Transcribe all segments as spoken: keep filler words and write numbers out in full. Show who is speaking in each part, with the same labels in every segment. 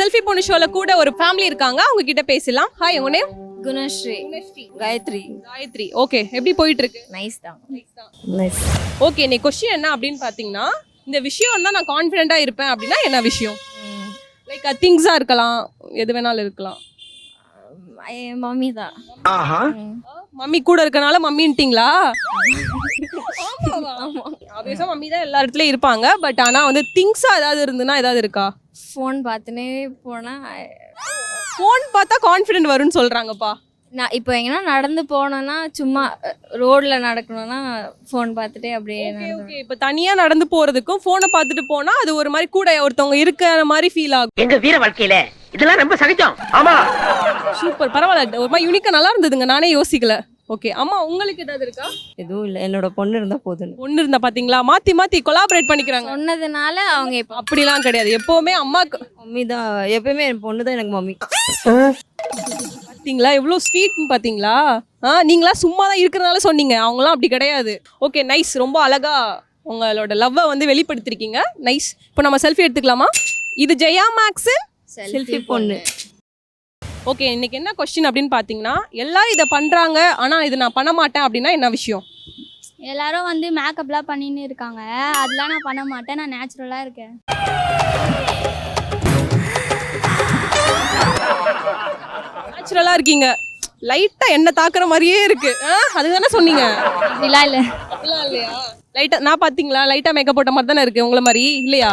Speaker 1: Selfie பொண்ணு ஷோல கூட ஒரு ஃபேமிலி இருக்காங்க, அவங்க கிட்ட பேசலாம். ஹாய், உங்க நேம்?
Speaker 2: குணஸ்ரீ. காயத்ரி.
Speaker 1: காயத்ரி. ஓகே, எப்படி போயிட்டு இருக்கு?
Speaker 2: நைஸ் தான். நைஸ்.
Speaker 1: ஓகே, நீ கொஸ்டின் என்ன அப்படின்னு பாத்தீங்கன்னா, இந்த விஷயம் தான் நான் கான்ஃபிடென்ட்டா இருப்பேன் அப்படின்னா என்ன விஷயம்? லைக் திங்ஸா இருக்கலாம், எது வேணாலும் இருக்கலாம்.
Speaker 2: என் மம்மி தான்.
Speaker 1: மம்மி கூட இருக்கனால மம்மின்ட்டீங்களா? ஆப்வியஸா மம்மி தான் எல்லா இடத்துலயும் இருப்பாங்க. பட் ஆனா வந்து திங்ஸா ஏதாவது இருந்துன்னா ஏதாவது இருக்கா?
Speaker 2: ஃபோன் பார்த்துனே போனா
Speaker 1: ஃபோன் பார்த்தா கான்ஃபிடென்ட் வரும்னு சொல்றாங்கப்பா.
Speaker 2: நான் இப்போ எங்கன்னா நடந்து போனோன்னா, சும்மா ரோட்ல நடக்கணும்னா ஃபோன் பார்த்துட்டே அப்படியே
Speaker 1: ஓகே ஓகே. இப்போ தனியா நடந்து போறதுக்கும் ஃபோனை பார்த்துட்டு போனா அது ஒரு மாதிரி கூட ஒருத்தவங்க இருக்கிற மாதிரி ஃபீல் ஆகும்.
Speaker 3: எங்க வீர வாழ்க்கையில இதெல்லாம் ரொம்ப சகஜம். ஆமா,
Speaker 1: சூப்பர், பரவாயில்ல, ஒரு மாதிரி யூனிக்கா நல்லா இருந்ததுங்க, நானே யோசிக்கல. ஓகே அம்மா, உங்களுக்கு ஏதாவது இருக்கா?
Speaker 4: எதுவும் இல்லை, என்னோட பொண்ணு இருந்தா போதும்.
Speaker 1: பொண்ணு இருந்தா பாத்தீங்களா, மாத்தி மாத்தி கொலாபரேட் பண்ணிக்கிறாங்க.
Speaker 2: சொன்னதுனால அவங்க இப்போ
Speaker 1: அப்படிலாம் கிடையாது, எப்பவுமே அம்மாக்கு
Speaker 4: மம்மி தான் எப்பயுமே, என் பொண்ணு தான் எனக்கு மம்மி.
Speaker 1: பாத்தீங்களா எவ்வளோ ஸ்வீட்னு பாத்தீங்களா? ஆ, நீங்களா சும்மா தான் இருக்கிறனால சொன்னீங்க, அவங்களாம் அப்படி கிடையாது. ஓகே நைஸ், ரொம்ப அழகா உங்களோட லவ்வை வந்து வெளிப்படுத்திருக்கீங்க. நைஸ். இப்போ நம்ம செல்ஃபி எடுத்துக்கலாமா? இது ஜெயா மேக்ஸ்
Speaker 4: செல்ஃபி பொண்ணு.
Speaker 1: ஓகே, இன்னைக்கு என்ன கொஸ்டின் அப்படின்னு பார்த்தீங்கன்னா, எல்லாரும் இதை பண்ணுறாங்க ஆனால் இது நான் பண்ண மாட்டேன் அப்படின்னா என்ன விஷயம்?
Speaker 5: எல்லாரும் வந்து மேக்கப்லாம் பண்ணின்னு இருக்காங்க, அதெல்லாம் நான் பண்ண மாட்டேன், நான் நேச்சுரலாக இருக்கேன்.
Speaker 1: நேச்சுரலாக இருக்கீங்க, லைட்டாக என்ன தாக்குற மாதிரியே இருக்கு. ஆ, அதுதானே சொன்னீங்க?
Speaker 5: அப்படிலாம் இல்லை.
Speaker 1: அப்படிலாம் இல்லையா? லைட்டாக நான் பார்த்தீங்களா, லைட்டாக மேக்கப் போட்ட மாதிரி தானே இருக்கு, உங்களை மாதிரி இல்லையா?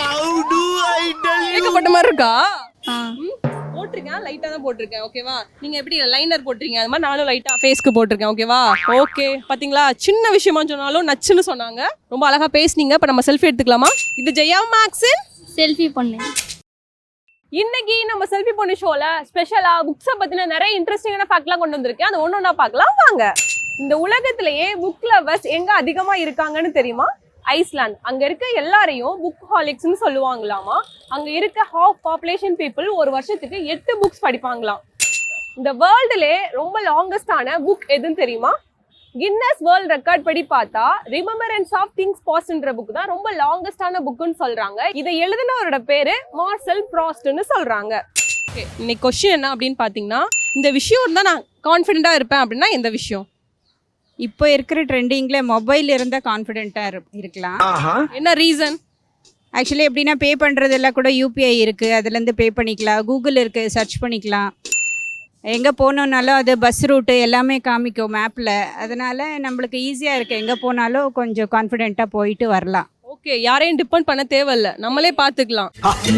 Speaker 1: மேக்கப் போட்ட மாதிரி இருக்கா? போட்டிருக்கேன், லைட்டாக தான் போட்டிருக்கேன். ஓகேவா? நீங்கள் எப்படி லைனர் போட்டிருக்கீங்க, அது மாதிரி நானும் லைட்டாக ஃபேஸ்க்கு போட்டிருக்கேன். ஓகேவா? ஓகே, பார்த்தீங்களா, சின்ன விஷயமா சொன்னாலும் நச்சுன்னு சொன்னாங்க. ரொம்ப அழகாக பேசுனீங்க. இப்போ நம்ம செல்ஃபி எடுத்துக்கலாமா? இது ஜெயா மேக்ஸ்
Speaker 5: செல்ஃபி பொண்ணு.
Speaker 1: இன்னைக்கு நம்ம செல்ஃபி பொண்ணு ஷோல ஸ்பெஷலா புக்ஸை பத்தின நிறைய இன்ட்ரெஸ்டிங்கான ஃபேக்ட்லாம் கொண்டு வந்திருக்கேன். அது ஒன்று ஒன்றா பார்க்கலாம் வாங்க. இந்த உலகத்திலேயே புக் லவர்ஸ் எங்க அதிகமா இருக்காங்கன்னு தெரியுமா? ஐஸ்லாந்து. அங்க இருக்க எல்லாரையும் புக் ஹாலிக்ஸ்னு சொல்லுவாங்களாமா. அங்க இருக்க ஹாஃப் பாப்புலேஷன் பீப்புள் ஒரு வருஷத்துக்கு எட்டு புக்ஸ் படிப்பாங்களாம். இந்த வேர்ல்டுலே ரொம்ப லாங்கஸ்டான புக் எதுன்னு தெரியுமா? கின்னஸ் வேர்ல்ட் ரெக்கார்ட் படி பார்த்தா ரிமெம்பரன்ஸ் ஆஃப் திங்ஸ் பாஸ்ட்ன்ற புக் தான் ரொம்ப லாங்கஸ்டான புக்குன்னு சொல்றாங்க. இதை எழுதினவரோட பேரு மார்சல் ப்ராஸ்ட்னு சொல்றாங்க. ஓகே, இன்னைக்கு கொஸ்டின் என்ன அப்படின்னு பாத்தீங்கன்னா, இந்த விஷயம் தான் நான் கான்ஃபிடென்ட்டா இருப்பேன் அப்படின்னா எந்த விஷயம்?
Speaker 6: இப்போ இருக்கிற ட்ரெண்டிங்கில் மொபைல் இருந்தால் கான்ஃபிடென்ட்டாக இருக்கலாம்.
Speaker 1: என்ன ரீசன்?
Speaker 6: ஆக்சுவலி எப்படின்னா, பே பண்ணுறதெல்லாம் கூட யூபிஐ இருக்குது, அதுலேருந்து பே பண்ணிக்கலாம். கூகுள் இருக்குது, சர்ச் பண்ணிக்கலாம். எங்கே போனோன்னாலும் அது பஸ் ரூட்டு எல்லாமே காமிக்கும் மேப்பில். அதனால் நம்மளுக்கு ஈஸியாக இருக்குது, எங்கே போனாலும் கொஞ்சம் கான்ஃபிடென்ட்டாக போயிட்டு வரலாம்.
Speaker 1: ஓகே, யாரையும் டிபெண்ட் பண்ண தேவையில்ல, நம்மளே பார்த்துக்கலாம்.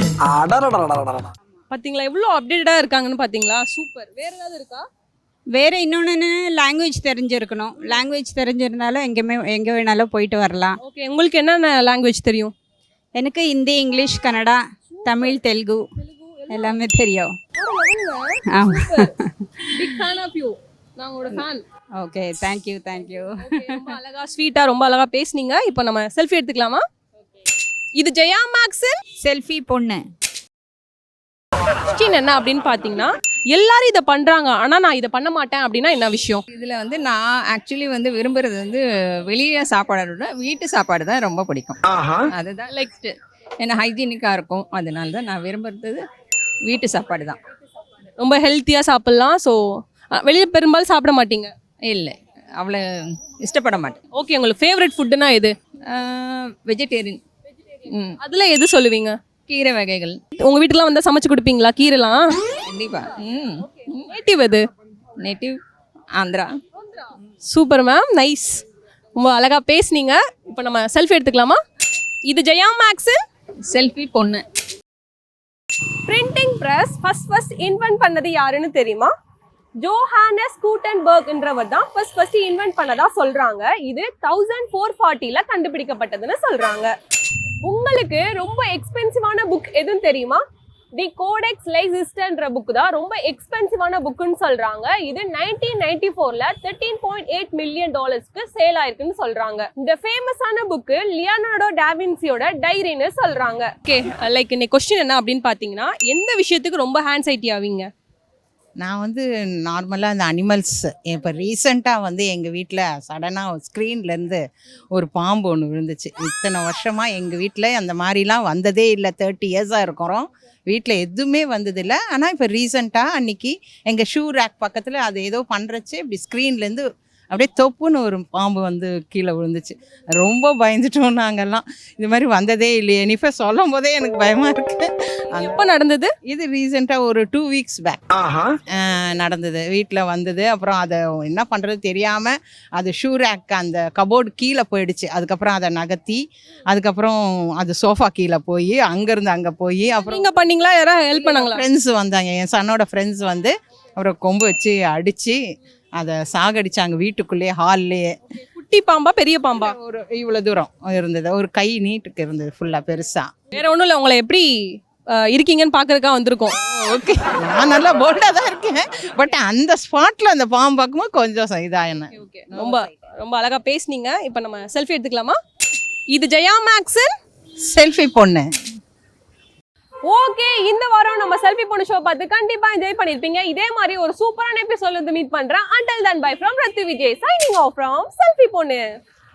Speaker 1: பார்த்தீங்களா எவ்வளோ அப்டேட்டடாக இருக்காங்கன்னு? பார்த்தீங்களா, சூப்பர். வேறு ஏதாவது இருக்கா?
Speaker 6: வேறு இன்னொன்று, லாங்குவேஜ் தெரிஞ்சிருக்கணும். லாங்குவேஜ் தெரிஞ்சிருந்தாலும் எங்கேயுமே எங்கே வேணாலும் போயிட்டு வரலாம்.
Speaker 1: ஓகே, உங்களுக்கு என்னென்ன லாங்குவேஜ் தெரியும்?
Speaker 6: எனக்கு ஹிந்தி, இங்கிலீஷ், கன்னடா, தமிழ், தெலுங்கு எல்லாமே தெரியும். ஆமாம்.
Speaker 1: Big fan of you. நான் உங்களோட ஃபேன்.
Speaker 6: Okay, thank you thank you.
Speaker 1: ரொம்ப அழகா ஸ்வீட்டாக ரொம்ப அழகாக பேசுனீங்க. இப்போ நம்ம செல்ஃபி எடுத்துக்கலாமா? இது ஜெயா மேக்ஸ்
Speaker 6: செல்ஃபி பொண்ணு.
Speaker 1: கொஸ்டின் என்ன அப்படின்னு பார்த்தீங்கன்னா, எல்லாரும் இதை பண்ணுறாங்க ஆனால் நான் இதை பண்ண மாட்டேன் அப்படின்னா என்ன விஷயம்?
Speaker 7: இதில் வந்து நான் ஆக்சுவலி வந்து விரும்புறது வந்து வெளியே சாப்பாடோட வீட்டு சாப்பாடு தான் ரொம்ப பிடிக்கும். அதுதான் லைக் ஏன்னா ஹைஜீனிக்காக இருக்கும், அதனால தான் நான் விரும்புறது வீட்டு சாப்பாடு தான்.
Speaker 1: ரொம்ப ஹெல்த்தியாக சாப்பிட்லாம். ஸோ வெளியே பெரும்பாலும் சாப்பிட மாட்டீங்க?
Speaker 7: இல்லை, அவ்வளோ இஷ்டப்பட மாட்டேன்.
Speaker 1: ஓகே, உங்களுக்கு ஃபேவரட் ஃபுட்டுனா எது?
Speaker 7: வெஜிடேரியன். ம்,
Speaker 1: அதில் எது சொல்லுவீங்க?
Speaker 7: கீரை வகைகள்.
Speaker 1: உங்கள் வீட்டுக்குலாம் வந்து சமைச்சு கொடுப்பீங்களா கீரைலாம்?
Speaker 7: கண்டிப்பாக. ம்,
Speaker 1: நேட்டிவ் எது?
Speaker 7: Native Andhra.
Speaker 1: Super ma'am, nice. ரொம்ப அழகாக பேசுனீங்க. இப்போ நம்ம செல்ஃபி எடுத்துக்கலாமா? இது ஜெயா மேக்ஸ்
Speaker 7: செல்ஃபி பொண்ணு.
Speaker 1: Printing press first first invent பண்ணது யாருன்னு தெரியுமா? ஜோஹானஸ் கூட்டன்பர்க்ன்றவர் தான் ஃபர்ஸ்ட் ஃபர்ஸ்ட் இன்வென்ட் பண்ணதா சொல்றாங்க. இது தௌசண்ட் ஃபோர் ஃபார்ட்டில கண்டுபிடிக்கப்பட்டதுன்னு சொல்றாங்க. உங்களுக்கு ரொம்ப எக்ஸ்பென்சிவான புக் எதுன்னு தெரியுமா? தி கோடெக்ஸ் லைசிஸ்டர்ன்ற புக் தான் ரொம்ப எக்ஸ்பென்சிவான புக்குன்னு சொல்றாங்க. இது நைன்டீன் நைன்டி ஃபோர்ல தேர்ட்டீன் பாயிண்ட் எயிட் மில்லியன் டாலர்ஸ்க்கு சேல் ஆயிருக்குன்னு சொல்றாங்க. இந்த ஃபேமஸான புக்கு லியோனார்டோ டாவின்சியோட டைரின்னு சொல்றாங்க. ஓகே, லைக் இன்னைக்கு கொஸ்டின் என்ன அப்படின்னு பாத்தீங்கன்னா, எந்த விஷயத்துக்கு ரொம்ப ஹேண்ட்சைட்டி ஆவீங்க?
Speaker 8: நான் வந்து நார்மலாக அந்த அனிமல்ஸ் இப்போ ரீசெண்டாக வந்து எங்கள் வீட்டில் சடனாக ஸ்க்ரீன்லேருந்து ஒரு பாம்பு ஒன்று விழுந்துச்சு. இத்தனை வருஷமாக எங்கள் வீட்டில் அந்த மாதிரிலாம் வந்ததே இல்லை. தேர்ட்டி இயர்ஸாக இருக்கிறோம், வீட்டில் எதுவுமே வந்ததில்லை. ஆனால் இப்போ ரீசெண்டாக அன்றைக்கி எங்கள் ஷூ ரேக் பக்கத்தில் அது ஏதோ பண்ணுறச்சு இப்படி ஸ்க்ரீன்லேருந்து அப்படியே தொப்புன்னு ஒரு பாம்பு வந்து கீழே விழுந்துச்சு. ரொம்ப பயந்துட்டோம் நாங்கள்லாம். இது மாதிரி வந்ததே இல்லையே. நிஃபா சொல்லும் போதே எனக்கு பயமாக இருக்குது.
Speaker 1: எப்போ நடந்தது?
Speaker 8: இது ரீசெண்டாக ஒரு டூ வீக்ஸ் பேக் நடந்தது. வீட்டில் வந்தது. அப்புறம் அதை என்ன பண்ணுறது தெரியாமல் அது ஷூ ரேக் அந்த கபோர்டு கீழே போயிடுச்சு. அதுக்கப்புறம் அதை நகர்த்தி அதுக்கப்புறம் அது சோஃபா கீழே போய் அங்கேருந்து அங்கே போய் அப்புறம்
Speaker 1: நீங்க பண்ணீங்களா? யாராவது ஹெல்ப் பண்ணாங்களா?
Speaker 8: ஃப்ரெண்ட்ஸ் வந்தாங்க, என் சன்னோட ஃப்ரெண்ட்ஸ் வந்து அப்புறம் கொம்பு வச்சு அடித்து அதை சாகடிச்சாங்க வீட்டுக்குள்ளேயே, ஹால்லேயே.
Speaker 1: குட்டி பாம்பா பெரிய பாம்பா?
Speaker 8: ஒரு இவ்வளோ தூரம் இருந்தது, ஒரு கை நீட்டுக்கு இருந்தது ஃபுல்லாக பெருசாக.
Speaker 1: வேற ஒன்றும் இல்லை, உங்களை எப்படி அஹ், இருக்கீங்கன்னு பார்க்கறதுக்காக வந்திருக்கோம்.
Speaker 8: ஓகே, நான் நல்லா போல்டாக தான் இருக்கேன். பட் அந்த ஸ்பாட்டில் அந்த பாம்பு பார்க்கும்போது கொஞ்சம் இதாக என்ன.
Speaker 1: ஓகே, ரொம்ப ரொம்ப அழகா பேசுனீங்க. இப்போ நம்ம செல்ஃபி எடுத்துக்கலாமா? இது ஜெயா மேக்ஸன்
Speaker 8: செல்ஃபி பொண்ணு.
Speaker 1: ஓகே, இந்த வாரம் நம்ம செல்ஃபி பொண்ணு ஷோ பார்த்து கண்டிப்பா என்ஜாய் பண்ணிருப்பீங்க. இதே மாதிரி ஒரு சூப்பரான எபிசோட்ல வந்து மீட் பண்றேன். until then bye from ரத்து Vijay, signing off from selfie பொண்ணு.